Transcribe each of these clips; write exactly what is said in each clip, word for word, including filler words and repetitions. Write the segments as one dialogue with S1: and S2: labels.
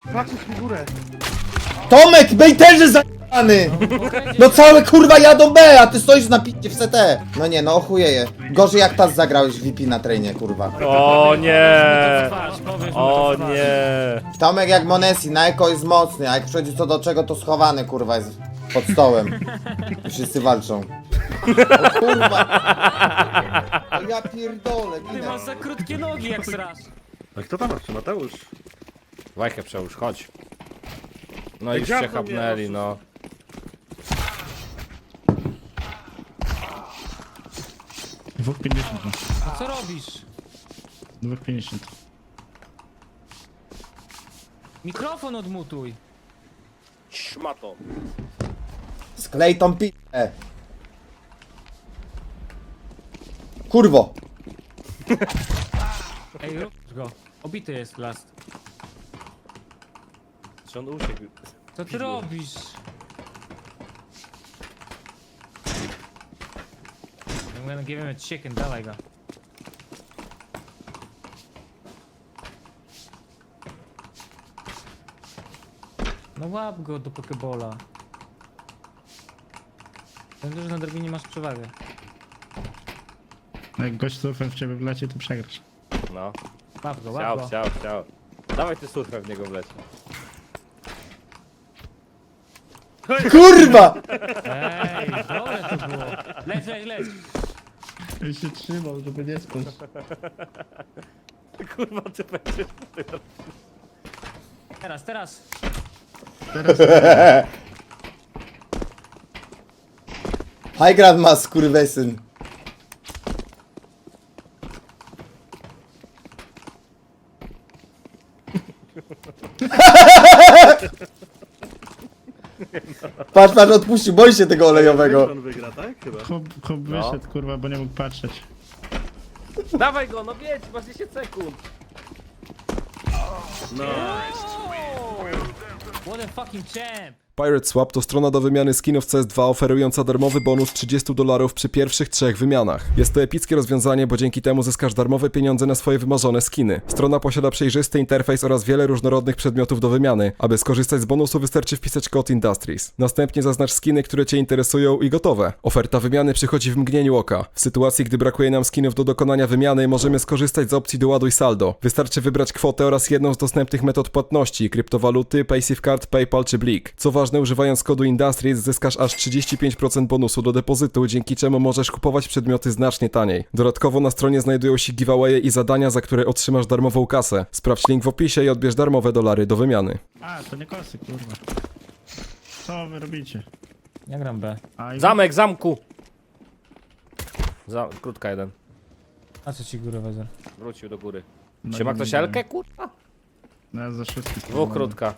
S1: patrzeć mi górę.
S2: Tomek, bejterze zajebany! No całe kurwa jadą B, a ty stoisz na picie w C T. No nie, no ochujeje. Gorzej jak tas zagrałeś w V P na trainie, kurwa.
S3: O nie! O nie!
S2: Tomek jak Monesi, na eko jest mocny, a jak przychodzi co do czego, to schowany kurwa jest pod stołem. I wszyscy walczą. O kurwa! O ja pierdolę,
S4: Ty
S2: ginę.
S4: masz za krótkie nogi jak srasz.
S1: A kto tam jeszcze, Mateusz?
S3: Wajchę przełóż, chodź. No i już
S1: dziabnął
S3: się chapnęli,
S1: mnie,
S3: no.
S5: Dwóch pięćdziesiąt.
S4: A co robisz?
S5: Dwóch pięćdziesiąt.
S4: Mikrofon odmutuj.
S3: Szmato.
S2: Sklej tą pitę. Kurwo!
S4: Ej, rób go. Obity jest last.
S3: Czy on uciekł?
S4: Co ty robisz? I'm gonna give him a chicken, dawaj go. No łap go do pokebola. Wiem, że na drabinie masz przewagę.
S5: Jak gość surfem w ciebie wleci, to przegrasz.
S3: No.
S4: Łap go, łap
S3: Chciał,
S4: go.
S3: chciał, chciał. Dawaj ty surfem w niego wleć.
S2: Kurwa!
S4: Ej, dobre to było. Leć, leć, leć.
S5: Ja się trzymał, żeby nie spać.
S3: Kurwa, ty będziesz...
S4: Teraz, teraz.
S2: High Grand ma skurwesyn. Patrz, patrz, odpuścił, boi się tego olejowego.
S1: On wygra, tak? Chyba.
S5: Chłop, chłop
S3: No.
S5: wyszedł, kurwa, bo nie mógł patrzeć.
S3: Dawaj go, no wiedź, masz dziesięć sekund.
S1: No.
S4: What a fucking champ.
S6: Pirate Swap to strona do wymiany skinów C S dwa oferująca darmowy bonus trzydzieści dolarów przy pierwszych trzech wymianach. Jest to epickie rozwiązanie, bo dzięki temu zyskasz darmowe pieniądze na swoje wymarzone skiny. Strona posiada przejrzysty interfejs oraz wiele różnorodnych przedmiotów do wymiany. Aby skorzystać z bonusu wystarczy wpisać kod Industries. Następnie zaznacz skiny, które Cię interesują i gotowe. Oferta wymiany przychodzi w mgnieniu oka. W sytuacji, gdy brakuje nam skinów do dokonania wymiany, możemy skorzystać z opcji doładuj saldo. Wystarczy wybrać kwotę oraz jedną z dostępnych metod płatności, kryptowaluty, PaySafeCard, PayPal czy Blik. Co ważne, używając kodu Industries zyskasz aż trzydzieści pięć procent bonusu do depozytu, dzięki czemu możesz kupować przedmioty znacznie taniej. Dodatkowo na stronie znajdują się giveawaye i zadania, za które otrzymasz darmową kasę. Sprawdź link w opisie i odbierz darmowe dolary do wymiany.
S5: A, to nie kosy, kurwa. Co wy robicie?
S4: Ja gram B.
S5: A, i...
S3: Zamek, zamku! Za... Krótka jeden.
S4: A co ci górę wezmę?
S3: Wrócił do góry.
S5: No
S3: Trzyma
S5: nie
S3: ktoś
S5: widziałem.
S3: Elkę, kurwa?
S5: No ja za wszystkich.
S3: Dwóch krótka.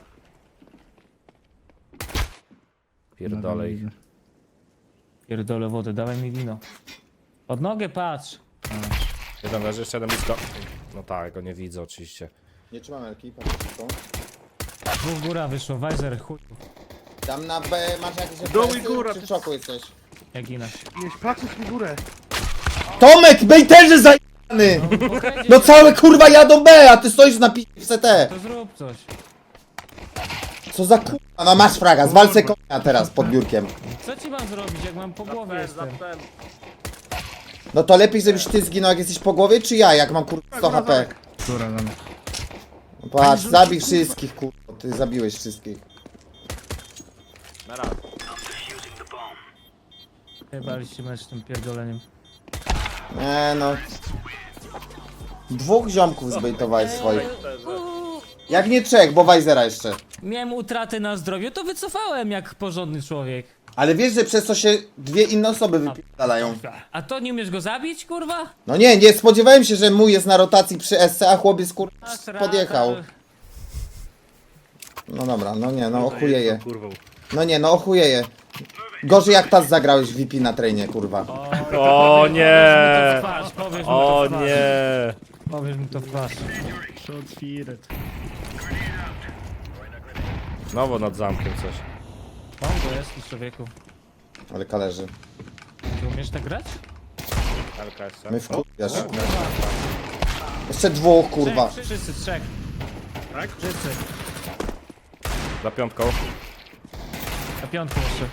S5: No,
S3: Pierdolę ich.
S4: Pierdolę wodę, dawaj mi wino. Pod nogę patrz.
S3: Jeden leży, jeszcze jeden blisko. No tak, go nie widzę oczywiście.
S2: Nie trzymam elki, patrz tylko.
S4: Dwóch góra wyszło, Weiser, chuj.
S2: Tam na B masz jakieś
S1: Dół i
S2: efekty,
S1: góra,
S2: czy w
S1: ty-
S2: szoku jesteś?
S4: Jak ginę.
S1: Jeźdź, patrzeć mi górę.
S2: Tomek, bejterze zajebany! No całe kurwa jadą B, a ty stoisz na picie w C T.
S4: To zrób coś.
S2: Co za kurwa, no masz fraga, zwalcę konia teraz pod biurkiem.
S4: Co ci mam zrobić, jak mam po głowie jestem?
S2: No to lepiej żebyś ty zginął jak jesteś po głowie, czy ja, jak mam kurwa sto H P?
S5: Która nam.
S2: No patrz, zabij wszystkich kurwa, ty zabiłeś wszystkich.
S3: Na raz.
S4: Jebaliście mecz tym pierdoleniem.
S2: Nie no. Dwóch ziomków zbejtowałeś swoich. Jak nie trzech, bo Wajzera jeszcze.
S4: Miałem utratę na zdrowiu, to wycofałem jak porządny człowiek.
S2: Ale wiesz, że przez to się dwie inne osoby wypierdalają.
S4: A to nie umiesz go zabić, kurwa?
S2: No nie, nie spodziewałem się, że mój jest na rotacji przy S C, a chłopiec kurwa
S4: Masz rację.
S2: podjechał. No dobra, no nie, no ochujeje.
S1: Kurwą.
S2: No nie, no ochujeje. Gorzej jak tas zagrałeś w V P na trainie, kurwa.
S3: O nie!
S4: Twarz, powiesz mu
S3: O
S4: to w twarz.
S3: nie!
S4: Powiesz mu to w twarz.
S5: Shot fired.
S3: Znowu nad zamkiem coś.
S4: Bongo jest, człowieku.
S2: Ale kależy.
S4: Ty umiesz tak grać?
S3: Elka jeszcze.
S2: My wkurwiasz. Jeszcze dwóch, kurwa.
S4: Trzech, wszyscy, trzech.
S1: Tak?
S4: Wszyscy.
S3: Za piątką.
S4: Na piątku jeszcze.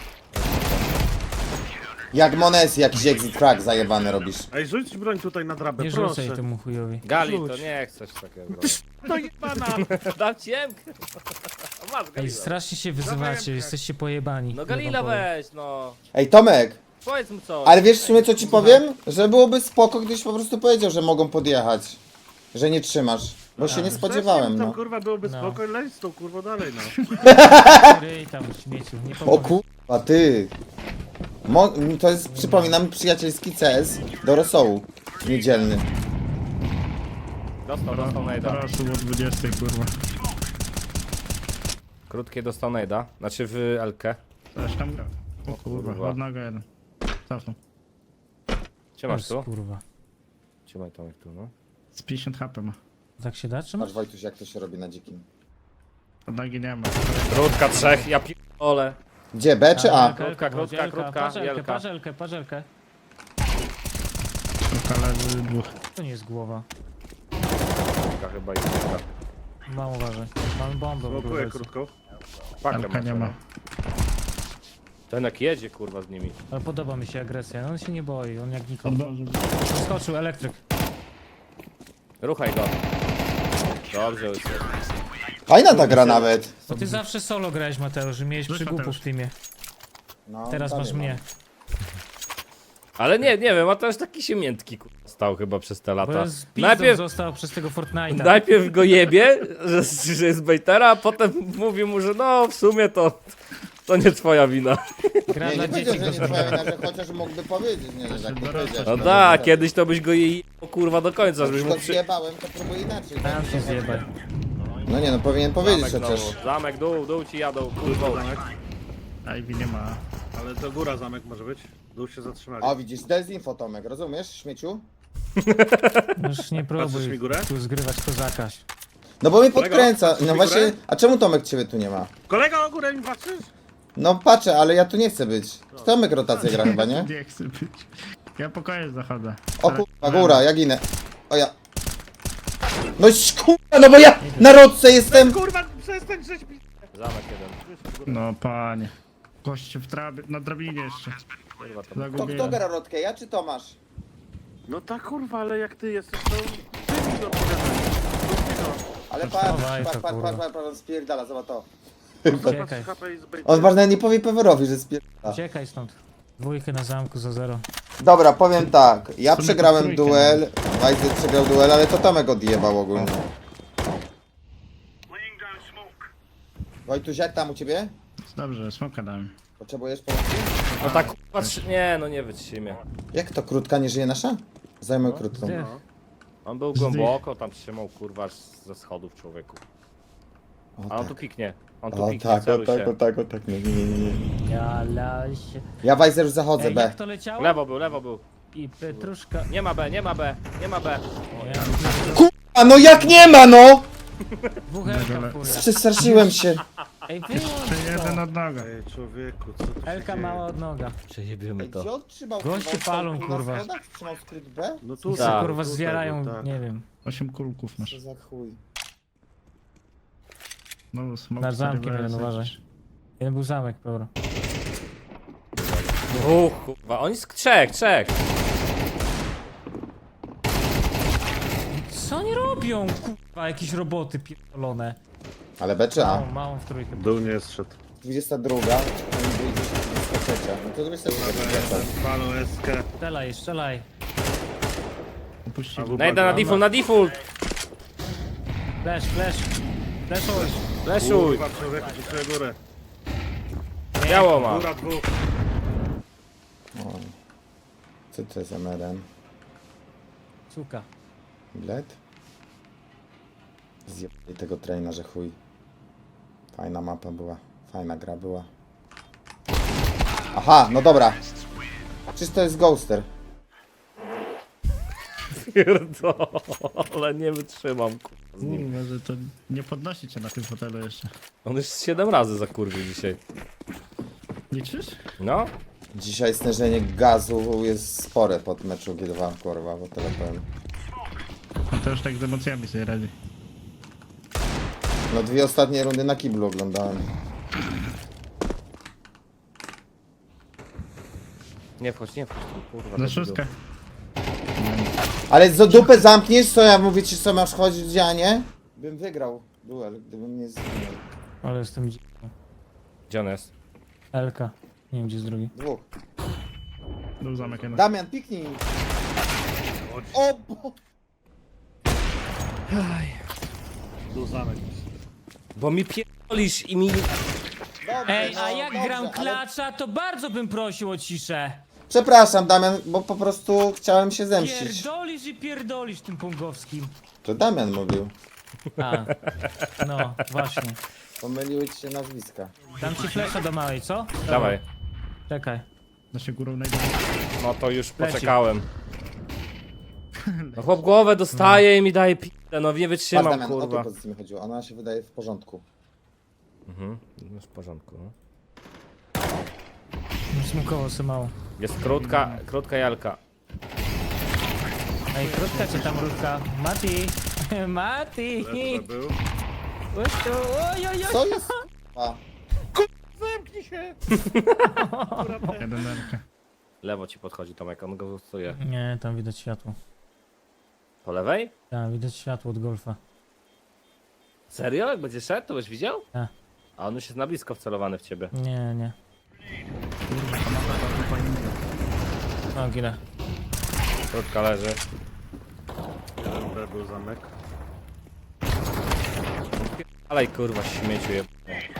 S2: Jak Monesi, jakiś exit frag zajebany robisz.
S1: Ej, rzuć broń tutaj na drabę,
S4: Nie
S1: proszę.
S4: rzucaj temu chujowi.
S3: Gali, to
S1: Rzuć.
S3: nie chcesz takiego.
S1: To jebana!
S3: Dam ci emkę. Masz
S4: Ej,
S3: Galila.
S4: strasznie się wyzywacie, jesteście pojebani.
S3: No
S4: Ja
S3: Galila
S4: wam powiem.
S3: weź, no.
S2: Ej, Tomek,
S3: Powiedz mu coś.
S2: ale wiesz w sumie co ci powiem? Że byłoby spoko, gdybyś po prostu powiedział, że mogą podjechać. Że nie trzymasz. Bo się nie spodziewałem,
S1: Tam
S2: no.
S1: kurwa byłoby
S4: No.
S1: spoko, leć z tą kurwa dalej, no.
S4: Ryj tam śmieciu, nie
S2: O
S4: pomogę.
S2: kurwa, ty. Mo to jest, przypominam, przyjacielski C S do rosołu. Niedzielny.
S3: Dostał, dostał najda.
S5: Proszę o dwudziestej, kurwa.
S3: Krótkie dostał najda. Znaczy w Elkę.
S5: Coś tam gra. O
S3: kurwa.
S5: kurwa, od noga jeden. Cofnął.
S3: Trzymasz
S4: Jezus,
S3: tu?
S4: kurwa.
S3: Trzymaj Tomek tu, no.
S5: Z pięćdziesiąt H P ma.
S4: Tak się da trzymać?
S2: Patrz Wojtuś, jak to się robi na dzikim.
S5: Od nogi nie ma.
S3: Krótka trzech, ja pierdolę.
S2: Gdzie, B czy A?
S4: Elka,
S3: Krótka,
S4: Elka,
S3: krótka,
S4: Elka,
S3: krótka,
S4: Parzelkę,
S3: wielka.
S4: parzelkę, parzelkę.
S5: Szukala dwóch.
S4: To nie jest głowa.
S3: Krótka chyba i krótka.
S4: Mam uważaj. Mamy bombę w
S1: Blokuję
S4: ogóle.
S1: krótką.
S3: Pakę
S5: Elka nie ma.
S3: Ten jak jedzie kurwa z nimi.
S4: Ale podoba mi się agresja, no on się nie boi, on jak nikogo.
S5: Odłożył.
S4: Skoczył elektryk.
S3: Ruchaj go. Dobrze, Łysy.
S2: Fajna ta gra nawet.
S4: To ty zawsze solo grałeś, Mateusz, że miałeś
S5: Rzuć,
S4: przygupów
S5: Mateusz.
S4: w teamie.
S2: No,
S4: Teraz
S2: dalej
S4: masz
S2: mam.
S4: mnie.
S3: Ale nie, nie wiem, a to już taki się miętki kurwa stał chyba przez te
S4: Bo
S3: lata.
S4: ja z pizdą
S3: Najpierw,
S4: został przez tego Fortnite'a.
S3: najpierw go jebie, że, że jest bejtera, a potem mówi mu, że no w sumie to, to nie twoja wina.
S4: Gra
S2: Nie,
S4: dla
S2: nie powiedział,
S4: dzieci.
S2: że nie twoja wina, że chociaż mógłby powiedzieć, nie, nie, tak nie powiedział.
S3: No tak, kiedyś to byś go jej kurwa do końca, żebyś
S2: Już
S3: mu
S2: go
S3: przy...
S2: zjebałem, to próbuję inaczej.
S4: Tam się zjebaj.
S2: No nie, no powinien powiedzieć
S3: Zamek
S2: chociaż.
S3: znowu. Zamek, dół, dół ci jadą, kurwa.
S1: Zamek.
S5: Ivy nie ma.
S1: Ale to góra zamek może być. Dół się zatrzymali.
S2: O widzisz, dezinfo Tomek, rozumiesz, śmieciu?
S4: Już nie
S1: Patrzysz mi
S4: próbuj
S1: górę?
S4: tu zgrywać kozaka.
S2: No bo mnie
S1: Kolego,
S2: podkręca,
S1: patrzysz
S2: no
S1: mi
S2: właśnie,
S1: górę?
S2: a czemu Tomek ciebie tu nie ma?
S1: Kolega o górę mi patrzysz?
S2: No patrzę, ale ja tu nie chcę być. Tomek rotację gra chyba, nie?
S5: Nie chcę być. Ja pokoje zachodzę.
S2: O kurwa, góra, ja ginę. O ja. No kurwa, no bo ja na rodce jestem!
S1: Kurwa, przestań żeś mi...
S3: Zamek jeden.
S5: No panie. Goście w trabie, na drabinie jeszcze.
S3: Kurwa, to...
S2: To kto
S5: Zagubiłem.
S2: gra rotkę, ja czy Tomasz?
S1: No tak kurwa, ale jak ty jesteś, to... Ty mi to opowiadasz.
S2: Ale patrz,
S4: Dawaj
S2: patrz,
S4: to,
S2: patrz,
S4: kurwa.
S2: patrz, patrz, patrz, on spierdala, zobacz to.
S4: Uciekaj,
S1: H P i zbejt.
S2: On ważne nie powie Pewerowi, że spierdala.
S4: uciekaj stąd. Dwójkę na zamku za zero.
S2: Dobra, powiem tak, ja
S5: W sumie
S2: przegrałem
S5: to trójkę
S2: duel, Wajzy przegrał duel, ale to Tomek odjebał ogólnie. Wojtuś, jak tam u ciebie?
S5: Dobrze, smoka dałem.
S2: Potrzebujesz pomocy?
S3: No tak kurwa, trzy- nie, no nie wytrzymie.
S2: Jak to, krótka nie żyje nasza? Zajmę krótką.
S4: Zdech.
S3: On był głęboko, tam trzymał kurwa z- ze schodów człowieku.
S2: O
S3: A on
S2: tak,
S3: tu piknie. On tu
S2: o
S3: piknie,
S2: tak, o
S3: celuj
S2: tak,
S3: się.
S2: o tak, o tak, nie, nie, nie, nie.
S4: Ja laś.
S2: Ja Wajzer już zachodzę,
S4: Ej,
S2: B.
S4: jak to leciało?
S3: Lewo był, lewo był.
S4: I Petruszka.
S3: Nie ma B, nie ma B, nie ma B.
S4: Ja,
S2: A no jak nie ma, no!
S4: dwóch Elka w furię.
S2: Przestraszyłem się.
S4: Ej, wyłącz
S5: Jeszcze jeden
S4: to.
S5: od noga.
S1: Ej, człowieku, co tu się
S4: Elka
S1: dzieje?
S4: mała od noga.
S3: Przejebiemy
S2: Ej, gdzie on trzymał?
S4: Goście
S2: kurwa,
S4: palą,
S2: tu na
S4: kurwa.
S2: schodach? Trzymał skryt B?
S1: No
S4: I
S1: tu
S4: se
S3: Tak.
S4: kurwa
S1: tutaj,
S4: zwierają,
S1: tak.
S4: nie wiem.
S5: Osiem kulków masz.
S2: Co za chuj.
S5: No, smok
S4: Nad zamkiem
S5: cztery
S4: jeden,
S5: B S.
S4: uważaj. Jeden był zamek, dobra.
S3: Uch, kurwa, oni z trzech, trzech.
S4: Co oni robią, kurwa, jakieś roboty pierdolone.
S2: Ale B czy A?
S4: Małą, małą w trójkę.
S1: Dół nie jest szedł.
S2: dwudziesta druga, on wyjdzie dwudziesta trzecia. No to dwudziesta trzecia.
S1: Palą eskę.
S4: Strzelaj, strzelaj.
S5: Opuścił.
S1: Albo-
S3: Najda na default, na default.
S4: Flash, flash. Flashuj.
S3: Fleszuj.
S1: Kurwa, człowieku, tu górę.
S3: Biało ma.
S1: Góra dwóch.
S2: Co to jest M R M?
S4: Suka.
S2: Bilet? Zjebali tego traina, że chuj. Fajna mapa była. Fajna gra była. Aha, no dobra. Czyż to jest Ghoster?
S3: Ale nie wytrzymam, kurwa, z nim.
S5: Kurwa, że to nie podnosi cię na tym fotelu jeszcze.
S3: On już siedem razy zakurwił dzisiaj.
S5: Liczysz?
S3: No,
S2: Dzisiaj stężenie gazu jest spore pod meczu G dwa, kurwa, bo tyle powiem.
S5: No to już tak z emocjami sobie radzi.
S2: No dwie ostatnie rundy na kiblu oglądałem.
S3: Nie wchodź, nie wchodź, kurwa.
S5: Za
S3: do
S5: szóstkę.
S2: Ale za dupę zamkniesz, co ja mówię ci, co masz chodzić, a nie? Bym wygrał duel, gdybym nie zginął.
S4: Ale jestem dzi-
S3: Gdzie on jest?
S4: Elka. Nie wiem gdzie jest drugi.
S2: Dwóch.
S5: Był zamek jeden.
S2: Damian, piknij. O, bo...
S1: Tu zamek.
S3: Bo mi pierdolisz i mi...
S2: Dobrze,
S4: Ej,
S2: no,
S4: a jak
S2: dobrze,
S4: gram
S2: ale-
S4: klacza, to bardzo bym prosił o ciszę.
S2: Przepraszam, Damian, bo po prostu chciałem się zemścić.
S4: Pierdolisz i pierdolisz tym pongowskim.
S2: To Damian mówił.
S4: A, no właśnie.
S2: Pomyliły ci się nazwiska.
S4: Dam ci flesza do małej, co?
S3: Dawaj.
S4: Czekaj.
S5: Da się górą najdzie.
S3: No to już
S4: Leci.
S3: poczekałem. No chłop głowę dostaje i mi daje p***e, no nie
S2: Patrz,
S3: wytrzymam,
S2: Damian, o tą
S3: kurwa.
S2: pozycję mi chodziło. Ona się wydaje w porządku.
S3: Mhm, już w porządku, no.
S4: Smukowo se mało.
S3: Jest krótka, krótka jalka.
S4: Ej, krótka czy tam krótka? Mati! Mati!
S1: Był.
S4: Chodź tu. Oj, oj, oj.
S2: Co jest? A,
S1: Zamknij się!
S5: Jeden derkę.
S3: Lewo ci podchodzi Tomek, on go stuje.
S4: Nie, tam widać światło.
S3: Po lewej?
S4: Tam widać światło od golfa.
S3: Serio? Jak będzie szedł, to byś widział?
S4: Tak.
S3: A on już jest na blisko wcelowany w ciebie.
S4: Nie, nie. O, ginę.
S3: Krótka leży.
S1: Jeden B był zamek.
S3: Ale kurwa śmieciu je.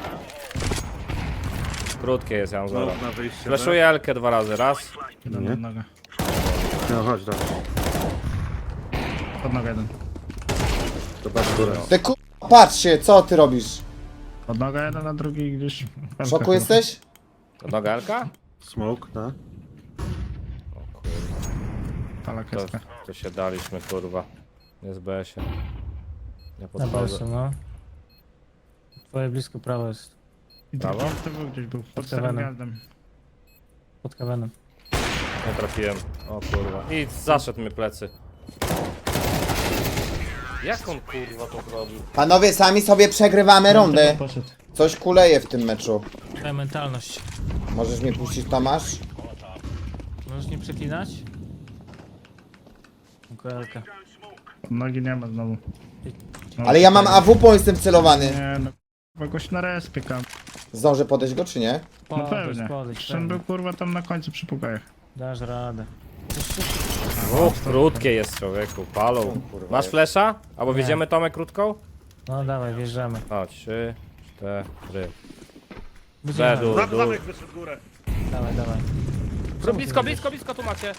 S3: Krótkie jest, ja mam zero.
S1: Znowu na wyjście.
S3: Flaszuję Elkę dwa razy, raz.
S5: Jeden
S1: Nie?
S5: pod nogę.
S1: B. No chodź, dawaj.
S5: Pod nogę jeden.
S1: To patrz górę.
S2: ty ku... Patrzcie, co ty robisz?
S5: Pod nogę jeden, a drugi gdzieś...
S2: W szoku jesteś?
S3: To noga Elka?
S1: Smoke, tak?
S3: O kurwa,
S5: Pala
S3: to,
S5: kreska.
S3: to się daliśmy kurwa. Jest B S-ie. Ja
S4: Na
S3: podchodzę.
S4: balsu, no. Twoje blisko prawo jest.
S5: I
S3: Brawo.
S5: drugi to był gdzieś był. Pod starym
S4: Heavenem.
S5: gwiazdem.
S4: Pod kawenem.
S3: Nie trafiłem. O kurwa. I zaszedł mi plecy. Jak on kurwa to zrobił?
S2: Panowie, sami sobie przegrywamy rundy.
S5: Poszedł.
S2: Coś kuleje w tym meczu.
S4: Twoja mentalność.
S2: Możesz mnie puścić, Tomasz?
S4: Możesz nie przeklinać? Elka.
S5: Pod nogi nie ma znowu. No,
S2: Ale ja mam A W, bo jestem celowany.
S5: Nie no. Kogoś na respie kam.
S2: Zdążę podejść go, czy nie?
S5: No
S4: Podejdź,
S5: pewnie.
S4: podejdź,
S5: Przecież on
S4: pewnie.
S5: był kurwa tam na końcu przy pukajach.
S4: Dasz radę.
S3: O, krótkie jest człowieku, palą.
S2: kurwa,
S3: Masz
S2: jest.
S3: flesza? Albo
S4: Nie.
S3: wiedziemy Tomek krótką?
S4: No dawaj, wjeżdżamy.
S3: O, trzy, cztery.
S4: Będziemy.
S3: Zedół,
S1: Zam,
S3: dół.
S1: zamek wyszedł w górę.
S4: Dawaj, dawaj.
S3: Blisko, blisko, blisko tu macie.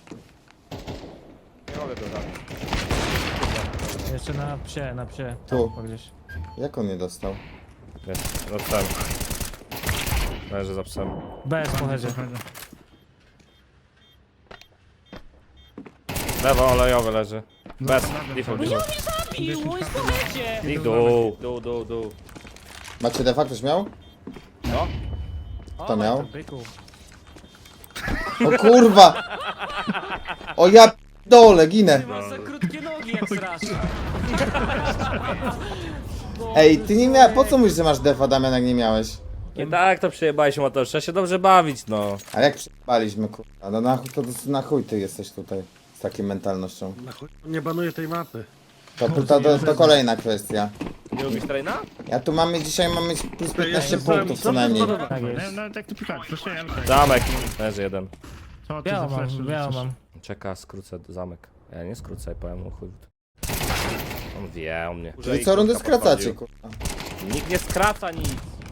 S3: Nie mogę go zabić.
S4: Jeszcze na psie, na psie.
S2: Tu.
S4: Tam gdzieś.
S2: Jak on nie dostał?
S3: Jest, za psem. Leży za psem.
S4: Bez pochodzie.
S3: Lewo olejowy leży. Bez,
S5: Zastanawia
S3: default,
S5: się.
S3: default.
S4: Pił, jest pochodzie!
S3: I dół, dół, dół, dół.
S2: Macie defa, ktoś miał?
S3: No.
S2: Kto miał?
S4: Byku.
S2: O kurwa! O ja dole, ginę.
S4: Ty masz za krótkie nogi jak strasznie.
S2: Ej, ty nie miałeś. Po co mówisz, że masz defa, Damian, jak nie miałeś?
S3: I tak to przyjebałeś motor, trzeba się dobrze bawić, no.
S2: A jak przyjebaliśmy, kurwa? No na chuj, to, to na chuj ty jesteś tutaj z taką mentalnością.
S1: Na chuj, nie banuję tej mapy.
S2: To, to, to, to kolejna kwestia.
S3: Nie lubisz traina?
S2: Ja tu mamy dzisiaj mamy plus piętnaście
S1: jestem
S2: punktów co
S1: sam-
S2: najmniej.
S1: sam-
S4: Tak
S5: Nie,
S4: jest.
S5: nawet jak ty pikałeś, proszę Elkę.
S3: Zamek. Leży jeden.
S5: Co ty za
S4: Białą
S5: flash
S4: mam, białą mam.
S3: Czeka, skrócę zamek. Ja nie skrócę, powiem mu chuj. On wie o mnie.
S2: Czyli co rundę skracacie, kurwa?
S3: Nikt nie skraca nic.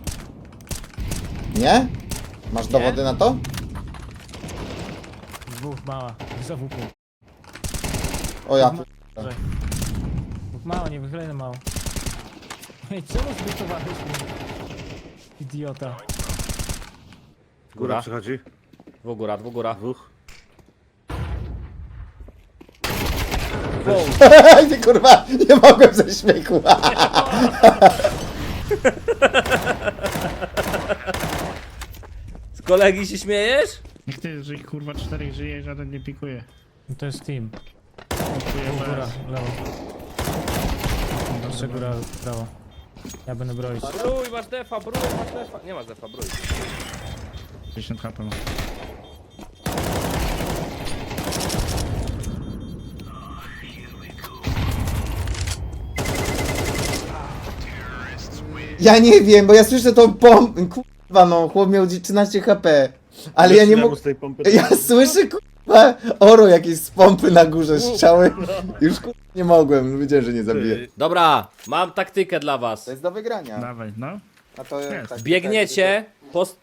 S2: Nie? Masz dowody na to?
S4: Dwóch mała. Za wupu.
S2: O ja p...
S4: Dwóch mała, nie wychylejny mało. Ej, czemu zbytowałeś mnie? Idiota.
S1: Góra
S3: Góra.
S1: przychodzi.
S3: Dwóch góra, dwóch góra.
S1: Dwóch.
S2: Ty kurwa, nie mogłem ze śmiechu.
S3: Z kolegi się śmiejesz?
S5: Niech ty, jeżeli kurwa czterech żyje, żaden nie pikuje.
S4: No to jest team.
S5: Pikuje
S4: Dwóch góra,
S5: bez.
S4: lewo. Jeszcze góra, prawo. Ja będę broić.
S3: Brój, masz defa, brój, masz defa. Nie masz defa, brój.
S5: dziesięć H P ma.
S2: Ja nie wiem, bo ja słyszę tą pompę. Kurwa no, chłop miał trzynaście H P. Ale ja nie mogę.
S1: z tej pompy.
S2: Ja słyszę kurwa oro jakieś z pompy na górze strzały. Już kurwa nie mogłem, wiedziałem, że nie zabiję.
S3: Dobra, mam taktykę dla was.
S2: To jest do wygrania.
S5: Dawaj, no.
S2: A to
S5: Jest.
S2: tak,
S3: Biegniecie, post...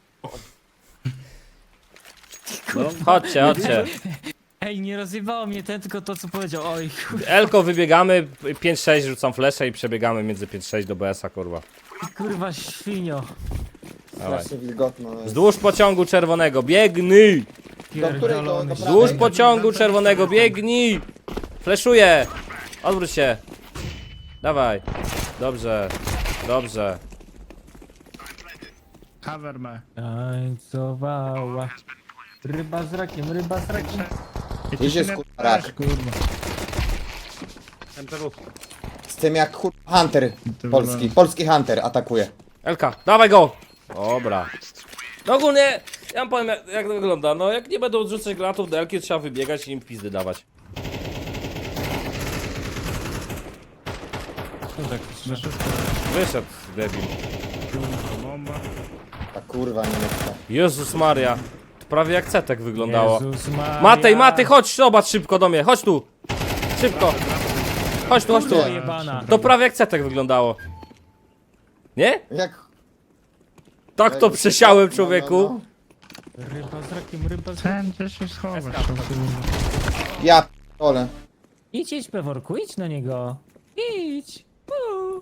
S3: Chodźcie, chodźcie.
S4: Ej, nie rozjebało mnie ten, tylko to co powiedział. Oj, kur-
S3: Elko wybiegamy, pięć sześć rzucam flesze i przebiegamy między pięć sześć do B S-a, kurwa.
S4: kurwa świnio.
S3: Dawaj.
S2: Strasznie wilgotno. jest.
S3: Wzdłuż pociągu czerwonego, biegnij!
S2: Do której? Do,
S4: Pierdolony.
S2: do
S3: Wzdłuż
S2: prawej?
S3: pociągu czerwonego, biegnij! Fleszuję! Odwróć się! Dawaj. Dobrze, dobrze.
S5: Cover me.
S4: Tańcowała. Ryba z rakiem, ryba z rakiem.
S2: Gdzieś jest kurwa rak.
S5: Kurwa.
S1: M T W.
S2: Z tym jak kurwa Hunter
S5: To
S2: polski.
S5: wygląda.
S2: Polski Hunter atakuje.
S3: Elka, dawaj go! Dobra. No ogólnie, ja wam powiem jak, jak to wygląda. No jak nie będą odrzucać granatów do Elki, trzeba wybiegać i im pizdy dawać. Wyszedł debil.
S5: Bomba.
S2: Ta kurwa niemiecka.
S3: Jezus Maria. To prawie jak cetek wyglądało.
S4: Jezus Maria.
S3: Matej, Matej, chodź, zobacz szybko do mnie, chodź tu. Szybko. Chodź tu, chodź tu.
S4: Kurwa jebana.
S3: To prawie jak cetek wyglądało. Nie?
S2: Jak...
S3: Tak to przesiałem, człowieku.
S2: No, no,
S4: Ryba z rakiem, ryba z rakiem.
S5: Ten gdzie się schowasz.
S3: Eska.
S5: kurwa.
S2: no. Ja p***ole.
S4: Idź, idź, Peworku, idź na niego. Idź. Uuu.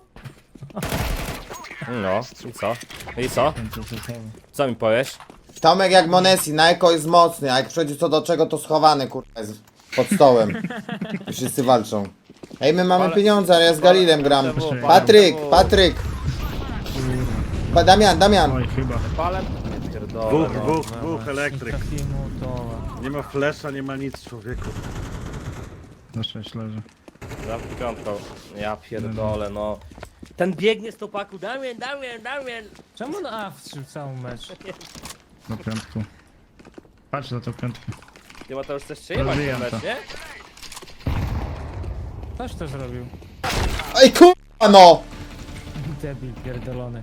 S3: No, i co? I co?
S5: Ten gdzie się schowasz.
S3: Co mi powiesz?
S2: Tomek jak Monesi, na eko jest mocny, a jak przychodzi co do czego to schowany kurwa jest pod stołem. I wszyscy walczą. Ej, my mamy
S3: Ale-
S2: pieniądze, ale ja z Galilem gram.
S3: M T W,
S2: Patryk,
S3: M T W.
S2: Patryk. Pa, Damian, Damian.
S5: Oj, chyba.
S3: Palem? Pierdolę,
S1: Dwóch,
S3: no.
S1: dwóch, dwóch elektryk.
S4: Takiemu to.
S1: Nie ma flesza, nie ma nic, człowieku.
S5: Na sześć leży.
S3: Za piątką. Ja pierdolę, no. Ten biegnie z topaku. Damian, Damian, Damian.
S4: Czemu na A wszedł cały mecz?
S5: Do piątku. Patrz na tą piątkę.
S3: Nie ma to już też przejebać
S5: Rozwijam
S3: ten mecz,
S5: to.
S3: nie?
S4: Ktoś to zrobił.
S2: Ej kurwa no!
S4: Debil pierdolony.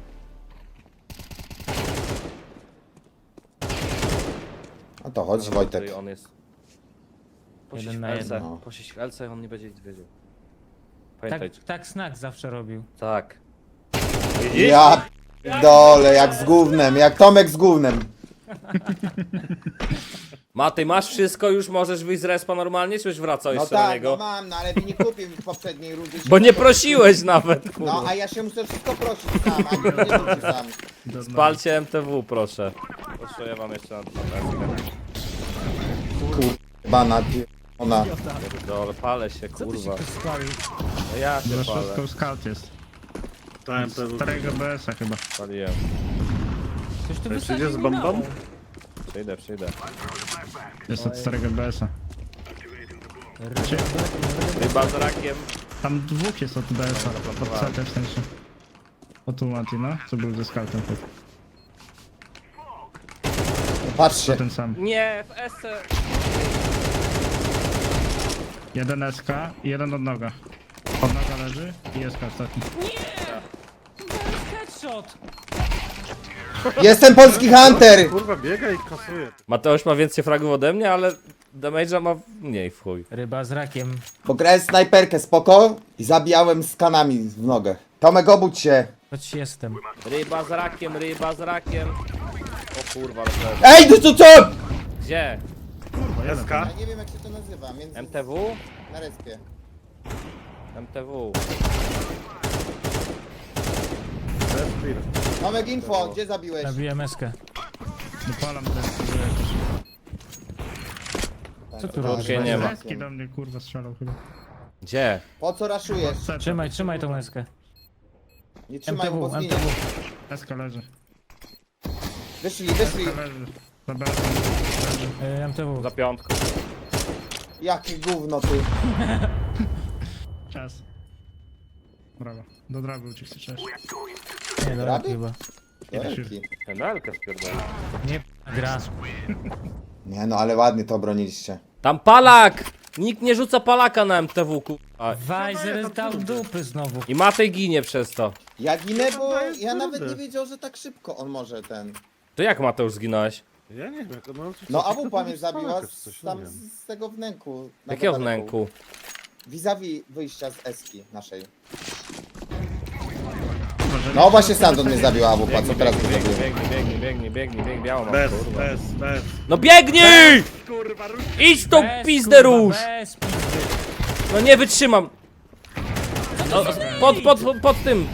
S2: A to chodź Wojtek.
S3: Który on jest. Posiedź
S4: Jeden
S3: w
S4: na
S3: Elce.
S2: jeden.
S3: Posiedź w Elce, on nie będzie nic wiedział.
S4: Tak,
S3: Pamiętaj.
S4: tak Snack zawsze robił.
S3: Tak. Widzisz?
S2: Ja dole, jak z gównem, jak Tomek z gównem.
S3: Matej, masz wszystko, już możesz wyjść z respa normalnie, czy już wracał
S2: No
S3: jeszcze do
S2: tak,
S3: niego?
S2: no mam, no ale mi nie kupił w poprzedniej rundzie.
S3: Bo nie prosiłeś nawet,
S2: No,
S3: kurwa.
S2: a ja się muszę wszystko prosić sam, a nie muszę sam.
S5: Do dna.
S3: Palcie M T W, proszę. Proszę, ja wam jeszcze na na
S2: Bana, ona.
S3: Dole, palę się,
S4: Co tu się
S3: kurwa.
S4: tu spalił?
S3: No ja się
S5: Za
S3: palę.
S5: szóstką scout jest.
S1: To M T W.
S5: Starego B S-a chyba.
S3: Paliłem.
S4: Ktoś tu
S1: Przyjdzie
S4: wysadził
S1: z
S4: mi
S1: bombą?
S4: małą.
S3: Przyjdę, przyjdę.
S5: Jest od starego B S-a.
S3: Ryba z rakiem.
S5: Tam dwóch jest od B S-a. Od
S3: zaplantowałem.
S5: C T w sensie. O tu Mati, no? Co był ze scoutem. To
S2: Patrzcie.
S5: ten sam.
S3: Nie, w S.
S5: Jeden S K i jeden od noga. Od noga leży i S K ostatni.
S4: Headshot!
S2: Jestem polski Hunter!
S1: Kurwa, biega i kasuje.
S3: Mateusz ma więcej fragów ode mnie, ale damage'a ma mniej w chuj.
S4: Ryba z rakiem.
S2: Bo grałem snajperkę spoko i zabijałem z kanami w nogę. Tomek, obudź się.
S4: Choć jestem.
S3: Ryba z rakiem, ryba z rakiem. O kurwa, ale to jest.
S2: Ej, ty co co?
S3: Gdzie?
S1: S K?
S2: Ja nie wiem jak się to nazywa, między...
S3: M T W?
S2: Na respie.
S3: M T W.
S2: Tomek, info, gdzie zabiłeś?
S4: Zabiłem eskę.
S5: Dopalam ten.
S4: Co tu
S3: Okej,
S4: robisz?
S3: nie ma.
S5: Eski do mnie kurwa strzelał chyba.
S3: Gdzie?
S2: Po co raszujesz?
S5: C T.
S4: Trzymaj, trzymaj tą eskę.
S2: Nie trzymaj, bo
S4: M T W,
S2: zginie.
S4: M T W.
S5: S K leży.
S2: Wyszli, wyszli.
S5: S K leży. Za B S-em leży.
S4: Y, M T W.
S3: Za piątką.
S2: Jakie gówno ty.
S5: Czas. Brawo. Do draby uciekł też.
S4: Nie, dobra,
S2: Raby?
S4: chyba.
S2: Wielki.
S1: Penalkę spierdolę.
S4: Nie gra.
S2: Nie no, ale ładnie to obroniliście.
S3: Tam palak! Nikt nie rzuca palaka na M T W, kurwa.
S4: Weiser dał dupy znowu.
S3: I Matej ginie przez to.
S2: Ja ginę, bo
S1: to jest
S2: ja
S1: trudne.
S2: nawet nie wiedział, że tak szybko on może ten...
S3: To jak Mateusz zginąłeś?
S1: Ja nie wiem, jak no... co-
S2: No
S1: co-
S2: Abu
S1: co
S2: pan
S1: to
S2: mnie
S1: jest
S2: zabiła
S1: Polaków,
S2: z,
S1: coś, nie
S2: tam
S1: wiem.
S2: z tego wnęku. na
S3: Jakiego
S2: kabelku.
S3: wnęku?
S2: Vis-a-vis wyjścia z Eski naszej.
S5: Może
S2: No właśnie sam do mnie zabił Abu pan, co
S3: Biegnij,
S2: teraz go
S3: biegnij,
S2: zabił?
S3: biegnij, biegnij, biegnij, biegnij, biegnij, białą mam,
S1: Bez,
S3: kurwa.
S1: bez, bez.
S3: No biegnij!
S1: Kurwa, rusz.
S3: Idź tą
S4: Bez,
S3: pizdę
S4: kurwa,
S3: róż!
S4: bez pizdy.
S3: No nie wytrzymam! No, pod, pod, pod, pod tym!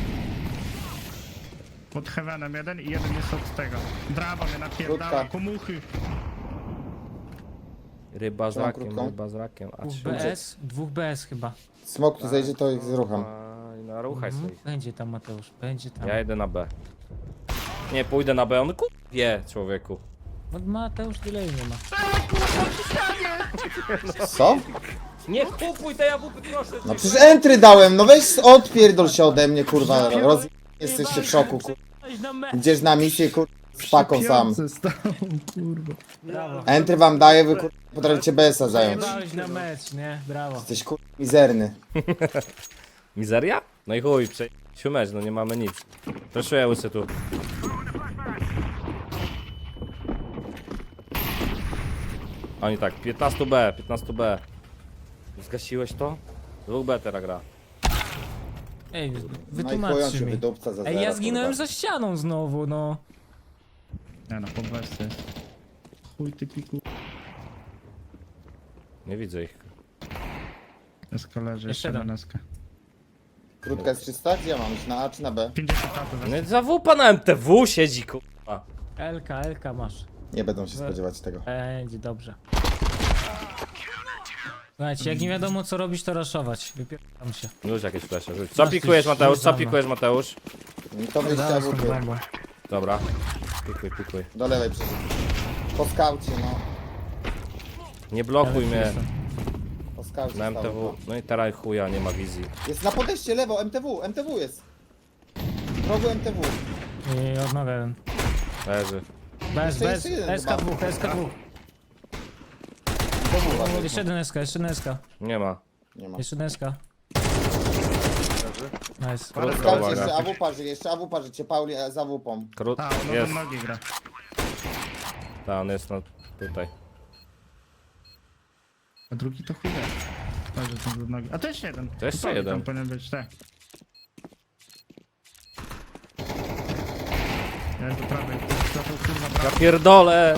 S5: Pod Heavenem jeden i jeden jest od tego. Draba mnie napierdala,
S2: Krótka.
S5: komuchy.
S3: Ryba z
S2: Trzymam
S3: rakiem,
S2: krótką.
S3: ryba z rakiem. A
S4: Dwóch
S3: trzy.
S4: B S, dwóch B S chyba.
S2: Smok tu zejdzie, to ich zrucham.
S3: Aj, no ruchaj
S4: Mhm.
S3: sobie.
S4: Będzie tam Mateusz, będzie tam.
S3: Ja idę na B. Nie, pójdę na B, on ku... wie, człowieku.
S4: No Mateusz delay nie ma.
S2: Co?
S3: Nie kupuj tej jabłki, proszę
S2: No
S3: cię.
S2: przecież entry dałem, no weź odpierdol się ode mnie, kurwa. Roz... Jesteście w szoku, kurwa.
S4: Chodź na me.
S2: Idziesz na misję, kurwa, z paką sam.
S5: Piące stał, kurwa.
S4: Brawo.
S2: Entry wam daję, wy kurwa potraficie B S a zająć.
S4: Jebałeś na mecz, nie? Brawo.
S2: Jesteś kurwa mizerny.
S3: Mizeria? No i chuj, przejdźmy mecz, no nie mamy nic. Proszę łysy tu. Oni tak, piętnaście B, piętnaście B. Zgasiłeś to? dwa B teraz gra.
S4: Ej,
S2: No i chuj, on
S4: wytłumaczcie
S2: się
S4: mi.
S2: wydupca za
S4: Ej, ja
S2: zero,
S4: zginąłem
S2: kurwa.
S4: za ścianą znowu, no.
S5: Nie no, po wersji. Chuj ty piku.
S3: Nie widzę ich.
S5: Eska leży,
S4: Jeszcze
S5: jeszcze
S4: jeden.
S5: jeden eska.
S2: Krótka jest trzysta? Gdzie ja mam iść? Na A czy na B?
S5: pięćdziesiąt lat
S3: No i za wupa na M T W siedzi, kurwa.
S4: Elka, Elka masz.
S2: Nie będą się spodziewać tego.
S4: Będzie dobrze. Słuchajcie, jak nie wiadomo co robić, to raszować. Wypierdam się.
S3: Już jakieś flesze, rzuć. Co pikujesz, Mateusz? Co pikujesz, Mateusz?
S2: To wyjście
S4: Zaraz tą
S2: Abu
S4: bombą.
S3: Dobra. Pikuj, pikuj.
S2: do lewej przecież. Po skaucie, no.
S3: Nie blokuj mnie.
S2: Po skaucie
S3: Na M T W.
S2: stało,
S3: No i teraz chuja, nie ma wizji.
S2: no. Jest na podejście lewo, M T W, M T W jest. W rogu M T W.
S4: I odnowę jeden.
S3: Leży.
S4: Bez,
S2: Jeszcze
S4: bez.
S2: jest jeden
S4: S K dwa,
S2: chyba.
S4: S K dwa.
S2: M T W uważaj,
S4: Jeszcze jeden S K, jeszcze jeden S K.
S3: Nie ma.
S2: no. Nie ma.
S4: Jeszcze jeden S K. Nice.
S2: Po
S3: Krótko,
S2: skaucie
S3: uwaga.
S2: jeszcze A W parzy, jeszcze A W parzy, Pauli e, za W pą.
S3: Krót.
S5: A, no
S3: Jest.
S5: do nogi gra.
S3: Ta, on jest no tutaj.
S5: A drugi to chuj jest. Leży tam do nogi. A to jeszcze jeden.
S3: To jeszcze
S5: Pauli
S3: jeden.
S5: Tam powinien być, tak. Ja do prawej. To to kurwa
S3: Ja
S5: prawej.
S3: pierdolę!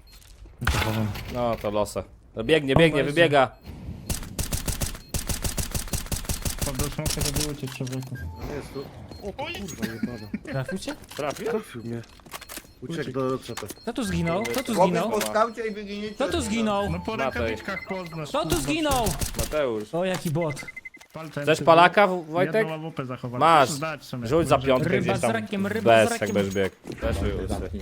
S3: No to losę. No biegnie, biegnie, wybiega.
S5: Pod do smoka to było cię człowieku.
S1: No jest tu. O kurwa, jebana.
S4: Trafił cię?
S3: Trafił?
S1: Trafił mnie. Uciekł do czata.
S4: Kto tu zginął? Kto tu zginął?
S2: po skaucie i wyginiecie.
S4: Kto tu zginął?
S5: No po
S3: Matej.
S5: rękawiczkach poznasz.
S4: Kto tu
S5: kurwa.
S4: zginął?
S3: Mateusz.
S4: O, jaki bot.
S5: Palce
S3: Chcesz
S5: M T W.
S3: palaka, Wojtek?
S5: Jedną łapę zachować.
S3: Masz.
S5: Zdać sobie.
S3: Rzuć za
S5: Może-
S3: piątkę
S4: Ryba
S3: gdzieś
S4: z
S3: tam.
S4: rakiem, ryba z
S3: Bez,
S4: rakiem.
S3: jak będziesz biegł. Weszły łysy.
S2: Zamknij.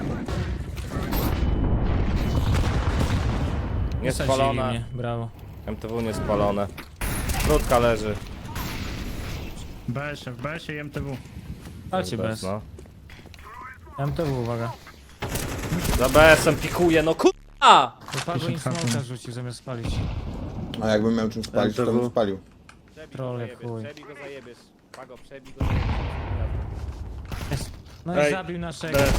S3: Nie
S4: Wysadzili
S3: spalona.
S4: mnie, brawo.
S3: M T W nie spalone. Krótka leży.
S5: B S F, B S i M T W.
S4: Chodźcie bez.
S3: No.
S4: M T W, uwaga.
S3: Za B S-em pikuje, no kurwa!
S4: Wypadło im smoka rzucił zamiast spalić.
S2: A jakbym miał czym spalić, to bym spalił.
S4: Troll jak chuj.
S3: Przebij go zajebiesz. Pago, przebij go
S4: Jest. No i
S1: Ej,
S4: zabił naszego.
S1: B.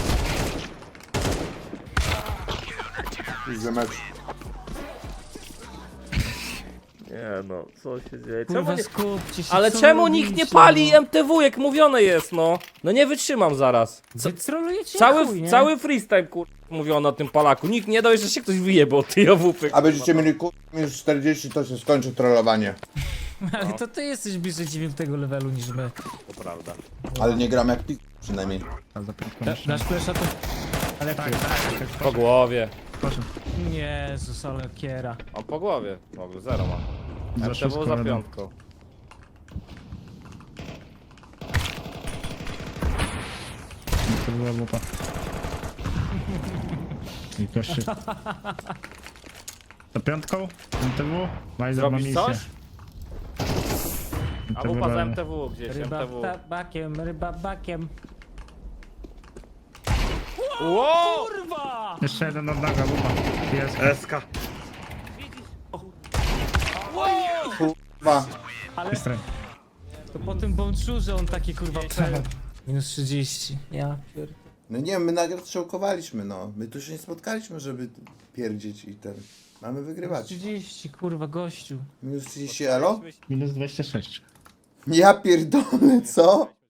S2: Widzę mecz.
S3: Nie no, co się dzieje?
S4: Kurwa, skupcie się.
S3: Ale
S4: co
S3: czemu nikt nie
S4: robicie,
S3: pali
S4: no?
S3: M T W, jak mówione jest, no? No nie wytrzymam zaraz. Co,
S4: Wy trolujecie
S3: cały,
S4: chuj, nie?
S3: cały freestyle, kur... mówiono o tym Polaku. Nikt nie dał, że się ktoś wyjebał od tej owupy.
S2: A będziecie mieli ku- minus czterdzieści, to się skończy trollowanie.
S4: Ale to ty jesteś bliżej dziewiątego levelu niż my.
S3: To prawda.
S2: Ale nie gram jak pi... przynajmniej.
S5: A za piątką
S4: Da,
S5: jeszcze.
S4: dasz flesza to... Ale
S5: Tak,
S4: ty.
S5: tak, tak.
S3: Po głowie.
S5: Proszę.
S4: Jezus, ale kiera.
S3: On po głowie. Mogę, zero ma.
S5: Za
S3: M T W
S5: szóstką
S3: za
S5: jeden.
S3: piątką.
S5: To była łupa. I kości. Za piątką? M T W? Majzer ma
S3: Zrobisz
S5: misję.
S3: coś?
S1: A
S5: To
S1: wupa z
S5: chyba-
S1: M T W gdzieś,
S4: Ryba
S1: M T W.
S4: bakiem, ryba bakiem.
S1: Wow!
S4: Kurwa!
S5: Jeszcze jeden od noga, buba. Jest.
S1: Eska.
S2: Kurwa.
S4: Ale
S5: Straj.
S4: to po tym bączurze on taki kurwa pe... Minus trzydzieści. Ja pier...
S2: No nie, my nagle strzałkowaliśmy, no. My tu się nie spotkaliśmy, żeby pierdzieć i ten. Mamy wygrywać.
S4: trzydzieści kurwa gościu.
S2: Minus trzydzieści elo?
S5: Minus dwadzieścia sześć.
S2: Ja pierdolę, co?